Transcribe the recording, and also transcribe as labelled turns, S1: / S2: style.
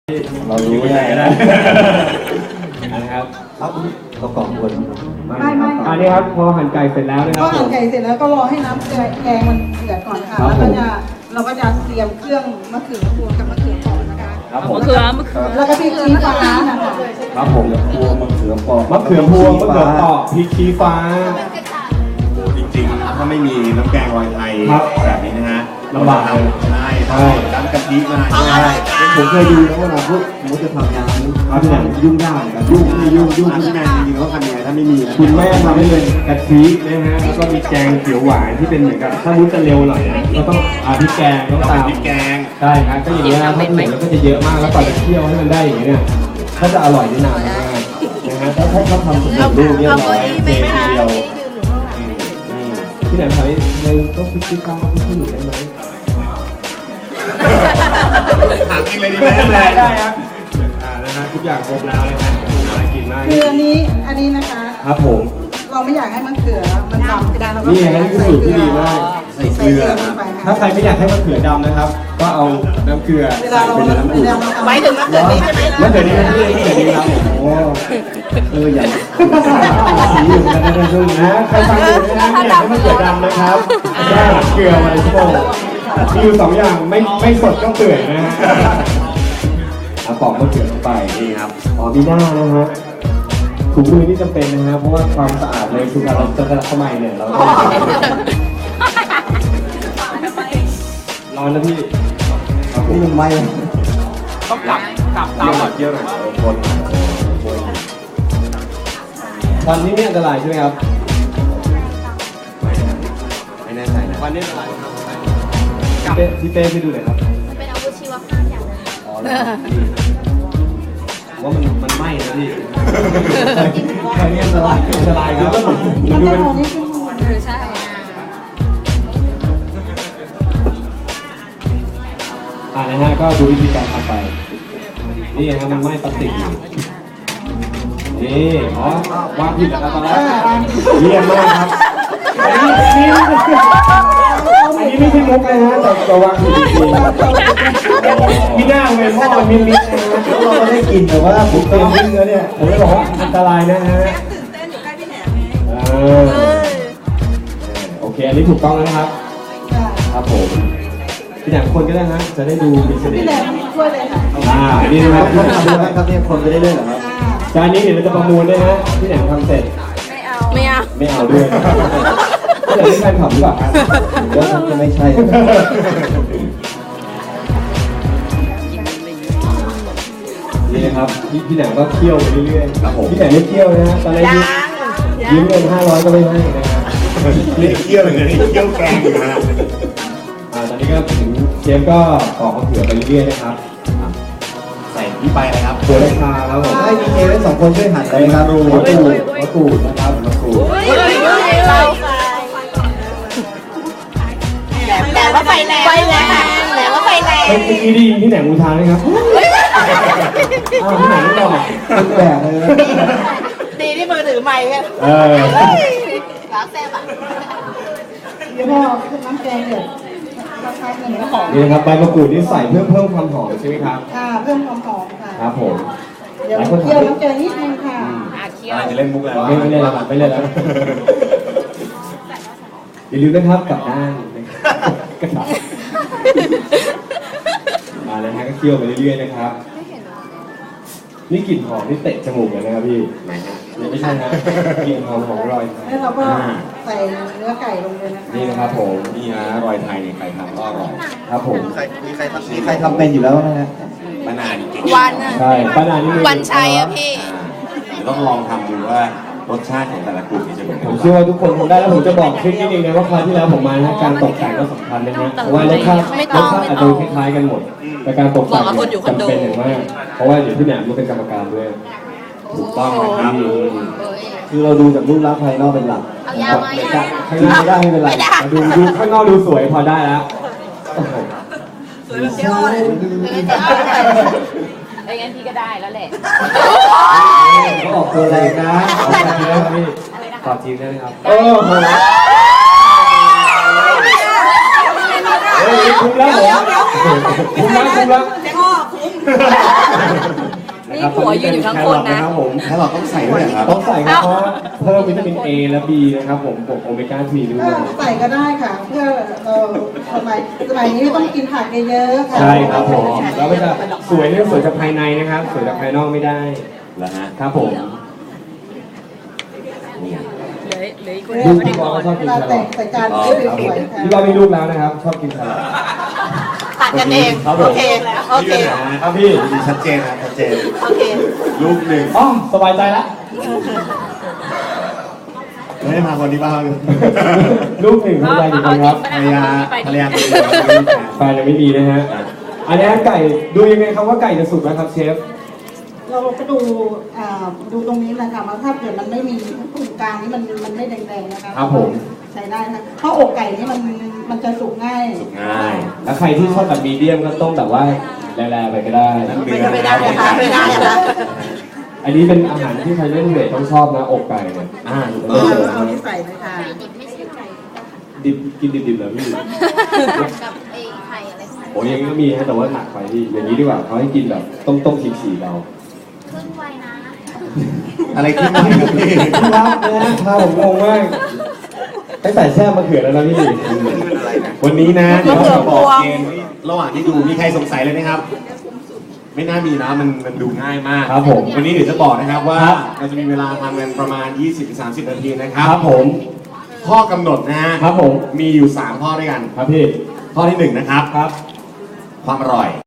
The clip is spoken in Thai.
S1: เรารู้ไงนะ
S2: นะครับ
S1: ครับเรากล่องบน
S3: ไม่
S2: อันนี้ครับพอหั่นไก่เสร็จแล้วนะครับ
S3: ก็หั่นไก่เสร็จแล้วก็รอให้น้ำแกงมันเดือดก่อนค่ะแล้วก็เราก็จะเตรียมเครื่องมะเขือพวงกับมะเขือเปราะนะคะ
S2: ครับผม
S3: แล้วก็พริกชี้ฟ้านะคะ
S2: ครับผม
S1: พวงมะเขือเปราะ
S2: มะเขือพวงมะเขือเปราะพริกชี้ฟ้า
S4: จริงๆถ้าไม่มีน้ำแกงรอยไทยแบบนี้นะฮะ
S2: ลำบากเลย
S4: ใช่น้ำกะทิมา
S1: ใช่ผมเคยดูนะเวลาพวกมุจะทำงานที่ไหนยุ่งยากเหมือนกันยุ่งที่งานจริงๆเขาทำยังไงถ้าไม่มี
S2: คุณแม่ทำให้เป็นกะทินะฮะแล้วก็มีแกงเขียวหวานที่เป็นเหมือนกับถ้ามุ้จะเร็วหน่อยนะก็ต้องพริกแกงต้องตาม
S4: พริกแกง
S2: ใช่ครับก็อย่างนี้นะถ้าถูแล้วก็จะเยอะมากแล้วก่อนจะเคี่ยวให้มันได้อย่างนี้เนี่ยถ้าจะอร่อยนี่นานมากนะฮะถ้าทำสำเร็จรูปเรียบร้อยเททีเดียวที่ไหนทำให้เราต้องพริกชี้ฟ้าพริกขี้หนูได้ไหม
S4: ถามจริงเลยดีไหม
S2: ได้ครับนะฮะทุกอย่างครบแล้วนะฮะอะไรกินได้
S3: คืออันนี้นะคะ
S2: ครับผม
S3: เราไม่อยากให้มะเขือมันดำเราก็
S2: นี่ฮะนี่คือสูตรที่ดีมาก
S3: ใส่เกลือลงไป
S2: ถ้าใครไม่อยากให้มะเขือดำนะครับ ก็เอาน้ำเกลือ
S3: เวลาเรา
S2: เป็นน้ำอุ่น
S3: หมายถึงมะเขือนี้ใช่ไหม
S2: มะเขือนี้มะเขือนี้ครับโอ้
S1: อย่าง
S2: สีอยู่กันนะช่วงนี้นะใครฟังอยู่นะไม่อยากให้มะเขือดำนะครับแค่เกลือมาเลยชั่วโมงมีอยู่2อย่างไม่สดก็เปื่อยนะฮะเอาปอกมะเขือลงไป
S4: นี่ครับ
S2: มีหน้านะฮะถุงมือนี่จำเป็นนะฮะเพราะว่าความสะอาดเลยคือการเราจะเข้ามาเนี่ยเราร้อนนะพี่
S1: นี่มันไม่
S2: ต้องกลับตามหลอดเยอะหน่อยคนตอนนี้เนี่ยอันตรายใช่ไหมครับ
S4: ไม่แน่ใจนะ
S2: วันนี้อันตรายครับพี่เป้พี่ดูหน่อยครับ
S5: เป็นอาวุธชีวภาพอย่างนึง
S2: อ๋อว่ามันไหม้นะพี่ใครเนี่ยอันตรายครับ
S3: มันจะหอมนิดนึง
S5: ใช่
S2: นะฮะก็ดูวิธีการทำไปนี่ฮะมันไหม้พลาสติกอยู่นี่วางผิดแล้วตอนแรกเยี่ยมมากครับอันนี้ไม่ใช่มุกเลยฮะแต่วางผิดจริงๆพี่หน้าเลยพ่อมินนะ
S1: เราไม่ได้กินแต่ว่าผมเติมเนื้อเนี่ย
S2: ผมเลยบอกว่าอันตรายนะฮะ
S3: ตื่นเต้นอยู่ใกล้พี่แหนม
S2: โอเคอันนี้ถูกต้องแล้วนะครับครับผมพี่แหนมคนก็ได้นะจะได้ดูมีเสน่
S3: พี่
S2: ห์
S3: แหนมช่วยเลยค่ะ
S2: นี่นะครับ
S1: ทำได้ไหมครับเนี่ยคนจะได้เล่นเหรอครับ
S2: จานนี้เดี๋ยวเราจะประมูลด้วยนะพี่แหนมทำเสร็จ
S5: ไม่เอา
S2: ไม่เอาด้วยพี่แหนมที่แฟนคลับหรือเปล่าครับ
S1: ว่าจะไม่ใช่
S2: นี่นะครับพี่แหนมก็เคี่ยวไปเรื่อยๆครับผมพี่แหนมไม่เคี่ยวนะฮะตอนแรกยืมเงิน500ก็ไม่ให้นะครับ
S4: เรียกเคี่ยวอย่างนี้เคี่ยวแกงอยู่นะฮะ
S2: ตอนนี้ก็ถึงเชฟก็ปอกมะเขือไปเรื่อยๆนะครับ
S4: ใส่ที่ไปเลยครับ
S2: ตัวราคาแล้วผม
S1: ให้ดีเจไว้2 คนช่วยหันเลยครับมะกรูดนะครับมะกรูด
S5: แต่ว่าไฟแรงแต่ว่าไฟแรง
S2: เมื่อกี้ได้ยินที่ไหนมูทานไหมครับที่ไหนไม่บอก
S1: แปลกเลย
S5: ดีที่มือถือไมค์กันแล้วแซ่บอ่ะ
S3: เดี๋ยวพอขึ้นน้ำแกงเดือดเราใช้เงินก็หอม
S2: นี่นะครับใบมะกรูดนี่ใส่เพื่อเพิ่มความหอมใช่ไหมครับ
S3: เพิ่มความหอมค่ะ
S2: ครับผม
S3: เดี๋ยวเคี่ยวน้ำแกงนิดนึงค่ะ
S4: จะเล่นมุกแล้ว
S2: ไม่เล่นแล้วไม่เล่นแล้วอย่าลืมนะครับกลับด้านกระดาษนะฮะก็เคี่ยวไปเรื่อยๆนะครับนี่กลิ่นหอมนี่เตะจมูกเลยนะครับพี่ไม่ใช่นะกลิ่นหอมของรอย
S3: แล้วเราก็ใส่เนื้อไก่ลงเลยนะคะ
S2: นี่นะครับผม
S4: นี่นะรอยไทยเนี่ยใครทำก็อร่อย
S2: ครับผม
S1: มีใครทำเป็นอยู่แล้วนะฮะ
S4: ป้านานี่เก่ง
S5: วันอ่ะ
S2: ใช่ป้านานี่
S5: วันชัยอ่ะพี่
S4: เดี๋ยวต้องลองทำดูว่ารสชาติของแต่ละกลุ่มนี่จะเป็นยัง
S2: ผ
S4: ไง
S2: มเชื่อว่าทุกคนทำได้แล้วผมจะบอกทริคนิดนึงนะว่าคราวที่แล้วผมมานะการตกแต่งก็สำคัญนะฮะเพราะว่ารสชาติอาจจะคล้ายๆกันหมดแต่การตกแต่งจำเป็นอย่างมากเพราะว่าเดี๋ยวพี่แหนมก็เป็นกรรมการด้วยถูกต้องนะครับ
S1: คือเราดูจากรูปลักษณ์ภายนอกเป็นหลัก
S5: เอายามา
S2: ข้างหน้าไม่ได้ไม่เป็นไรดูข้างนอกดูสวยพอได้แล้ว
S3: สวยแบบเจ้าเลย
S5: ไอ้งั้นพี่ก็ได้แล้วแหละ
S1: เขาออกตัวแรงนะ
S2: ขอทีได้ไหมพี่ขอทีได้ไหมครับโหคุ้มแล้วผมคุ้มแล้วนี่ผัวยืนอยู่ทั้งคนนะ
S4: แล้วเราต้องใส่ด้วยเหรอครับ
S2: ต้องใส่ครับเพราะว่าเพิ่มวิตามิน A และ B นะครับผมบวกโอเมก้า 3 ด้วย
S3: ใส่ก็ได้ค่ะ เพื่อเราสมัยนี้ต้องกินผักเยอะๆค่ะ
S2: ใช่ครับผมแล้วก็จะสวยเนี่ยสวยจากภายในนะครับ สวยจากภายนอกไม่ได้
S4: แล้วฮะ
S2: ครับผม
S5: เหลืออีกคน
S2: ลูก
S5: ไม่ได้
S2: พี่บ
S5: ก่
S2: อ
S5: อ
S2: ล
S5: น
S2: ก็ชอบกิน
S3: เวลา
S2: แคร
S3: แต่
S2: อง ท
S3: ใส่จานก็สวยๆค่ะ
S2: พี่บอลมีลูกแล้วนะครับ ชอบกินแครอท
S5: ตัดกันเอง
S2: ครับผม
S5: โอเคโอเค
S2: ครับพี่
S4: ชัดเจนนะชัดเจน
S5: โอเค
S4: ลูกหนึ่ง
S2: อ๋อสบายใจละ
S4: ไม่ได้มาคนที่บ้าน
S2: ลูกหนึ่งภรรยากี่คนครับ
S4: ภรรยาตัวเอง
S2: แฟนยังไม่มีนะฮะ อันนี้ไก่ดูยังไงครับว่าไก่จะสุกแล้วครับเชฟ
S3: เราก็ดูตรงนี้นะคะว่าถ้าเกิดมันไม่มีตรงกลางนี่มันไม่แดงๆนะคะ
S2: ครับผม
S3: ใช้ได้นะเพราะอกไก่นี่มันจะสุกง่าย
S4: ง่าย
S2: แล้วใครที่ชอบแบบมีเดียมก็ต้มแบบว่าแร่ๆไปก็ได้
S5: ไม่ได้นะคะไม่ได้นะคะ
S2: อันนี้เป็นอาหารที่ใครเล่นเวทต้องชอบนะอกไก่เนี่ย
S3: เอานี่ใส่เลยค่ะ
S2: ดิบกินดิบๆเหรอพี่
S6: กับไอ้ไข่อะไร
S2: โอ้ยยังก็มีฮะแต่ว่าหนักไปพี่อย่างนี้ดีกว่าเขาให้กินแบบต้มฉีกๆเรา
S6: ครึ่งวัยนะ
S4: อะไรขึ้นมาครับพี่
S2: ครับนะถ้าผมงงมากตั้งแต่แช่มะเขือแล้วนะพี่
S4: วันนี้นะเดี๋ยวเราจะบอกเกณฑ์ระหว่างที่ดูมีใครสงสัยเลยไหมครับ ไม่น่ามีนะมันดูง่ายมาก
S2: ครับผม
S4: วันนี้เดี๋ยวจะบอกนะครับว่า
S2: ครับ
S4: เราจะมีเวลาทำกันประมาณ 20-30 นาทีนะครับ
S2: ครับผม
S4: ข้อกำหนดนะฮะ
S2: ครับผม
S4: มีอยู่ 3 ข้อด้วยกัน
S2: ครับพี่
S4: ข้อที่ 1 นะครับ
S2: ครับ
S4: ความอร่อย